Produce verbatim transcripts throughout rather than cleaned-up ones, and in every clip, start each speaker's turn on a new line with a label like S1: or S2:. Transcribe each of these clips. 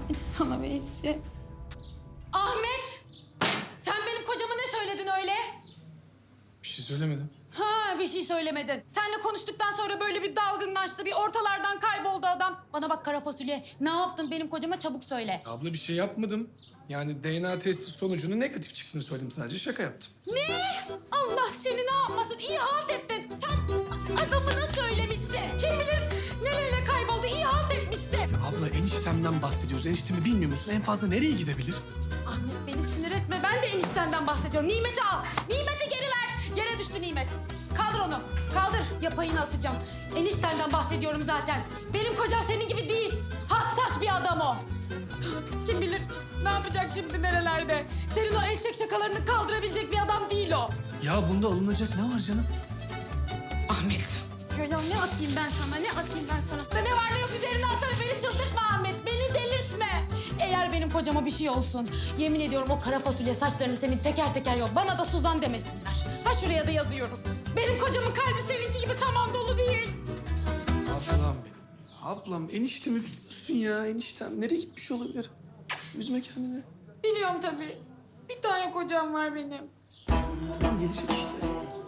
S1: Hiç sana Veysi. Ahmet! Sen benim kocama ne söyledin öyle?
S2: Bir şey söylemedim.
S1: Ha, bir şey söylemedin. Seninle konuştuktan sonra böyle bir dalgınlaştı, bir ortalardan kayboldu adam. Bana bak kara fasulye, ne yaptın benim kocama çabuk söyle.
S2: Abla bir şey yapmadım. Yani D N A testi sonucunun negatif çıktığını söyledim, sadece şaka yaptım.
S1: Ne? Allah seni ne yapmasın, iyi halt ettin. Tam adamına söylemişsin. Kim bilir nereye kayboldu, iyi halt etmişsin.
S2: Abla eniştemden bahsediyoruz. Eniştemi bilmiyor musun? En fazla nereye gidebilir?
S1: Ahmet beni sinir etme, ben de eniştenden bahsediyorum. Nimet'i al, Nimet'i geri ver. Yere düştü Nimet. Kaldır onu, kaldır. Yapayını atacağım. Eniştenden bahsediyorum zaten. Benim kocam senin gibi değil. Hassas bir adam o. Kim bilir ne yapacak şimdi nerelerde? Senin o eşek şakalarını kaldırabilecek bir adam değil o.
S2: Ya bunda alınacak ne var canım?
S1: Ahmet. Ya, ya ne atayım ben sana, ne atayım ben sana? Ne var ne yok üzerine atarım, beni çıldırtma Ahmet, beni delirtme. Eğer benim kocama bir şey olsun, yemin ediyorum o kara fasulye saçlarını senin teker teker yok. Bana da Suzan demesinler. Ha şuraya da yazıyorum. Benim kocamın kalbi seninki gibi saman dolu değil.
S2: Ablam benim. Ablam eniştemi biliyorsun ya. Eniştem nereye gitmiş olabilir? Üzme kendini.
S1: Biliyorum tabii. Bir tane kocam var benim.
S2: Tamam gelecek işte.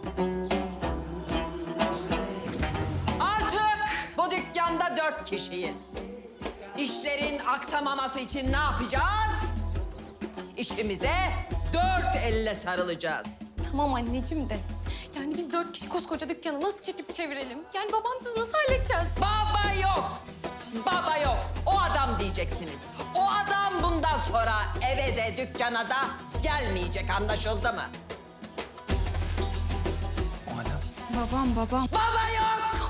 S3: Artık bu dükkanda dört kişiyiz. İşlerin aksamaması için ne yapacağız? İşimize dört elle sarılacağız.
S4: Tamam anneciğim de. Yani biz dört kişi koskoca dükkanı nasıl çekip çevirelim? Yani babamsız nasıl halledeceğiz?
S3: Baba yok. Baba yok. O adam diyeceksiniz. O adam bundan sonra eve de dükkana da gelmeyecek, anlaşıldı mı?
S4: Babam babam.
S3: Baba yok.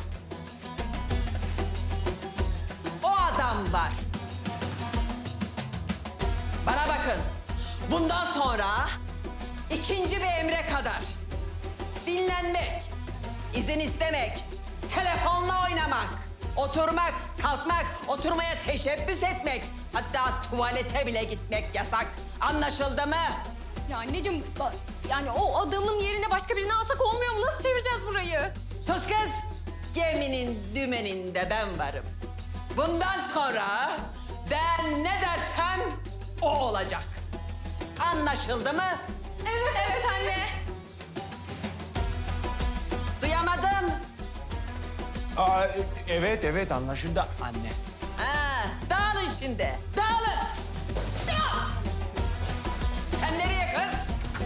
S3: O adam var. Bana bakın. Bundan sonra ikinci bir emre kadar dinlenmek, izin istemek, telefonla oynamak, oturmak, kalkmak, oturmaya teşebbüs etmek, hatta tuvalete bile gitmek yasak. Anlaşıldı mı?
S4: Ya anneciğim ba- yani o adamın yerine başka birini alsak olmuyor mu? Nasıl çevireceğiz burayı?
S3: Sus kız. Geminin dümeninde ben varım. Bundan sonra ben ne dersem o olacak. Anlaşıldı mı?
S4: Evet evet anne.
S3: Duyamadım.
S5: Aa, evet evet anlaşıldı anne.
S3: Ha, dağılın şimdi. Dağılın. Dağıl. Sen nereye kız?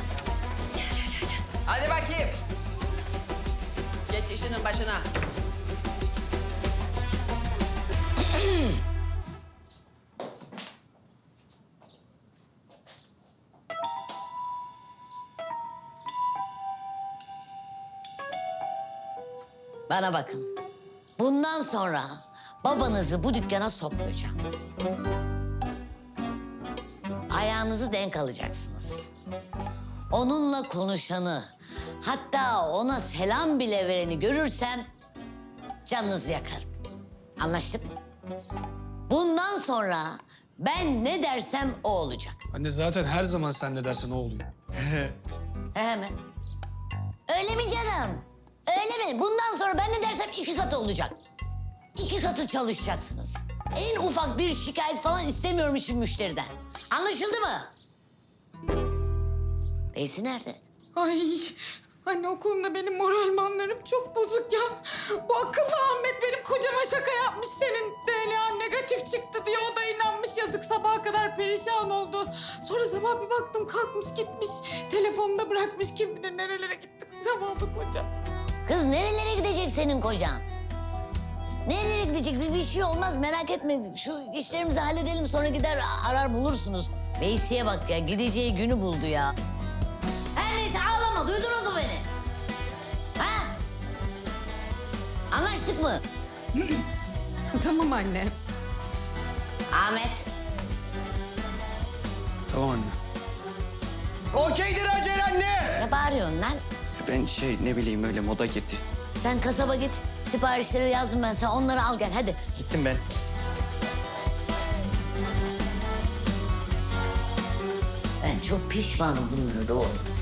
S3: Hadi bakayım. Geç işinin başına.
S6: Bana bakın. Bundan sonra babanızı bu dükkana sokmayacağım. Ayağınızı denk alacaksınız. Onunla konuşanı, hatta ona selam bile vereni görürsem canınızı yakarım. Anlaştık mı? Bundan sonra ben ne dersem o olacak.
S2: Anne zaten her zaman sen ne dersen o oluyor.
S6: He mi? Öyle mi canım? Öyle mi? Bundan sonra ben ne dersem iki katı olacak. İki katı çalışacaksınız. En ufak bir şikayet falan istemiyorum hiçbir müşteriden. Anlaşıldı mı? Beysi nerede?
S1: Ay anne o konuda benim moral manlarım çok bozuk ya. Bu akıllı Ahmet benim kocama şaka yapmış, senin D N A negatif çıktı diye o da inanmış, yazık sabaha kadar perişan oldu. Sonra sabah bir baktım kalkmış gitmiş, telefonunu da bırakmış, kim bilir nerelere gitti zavallı kocam.
S6: Kız nerelere gidecek senin kocan? Nerelere gidecek? Bir, bir şey olmaz merak etme. Şu işlerimizi halledelim sonra gider arar bulursunuz. Veysi'ye bak ya gideceği günü buldu ya. Her neyse ağlama duydunuz mu beni? Ha? Anlaştık mı?
S1: Tamam anne.
S6: Ahmet.
S2: Tamam anne.
S5: Okeydir Hacer anne.
S6: Ne bağırıyorsun lan?
S7: Ben şey ne bileyim öyle moda girdi.
S6: Sen kasaba git. Siparişleri yazdım ben sana. Onları al gel hadi.
S7: Gittim ben.
S6: Ben çok pişmanım bunlara doğru.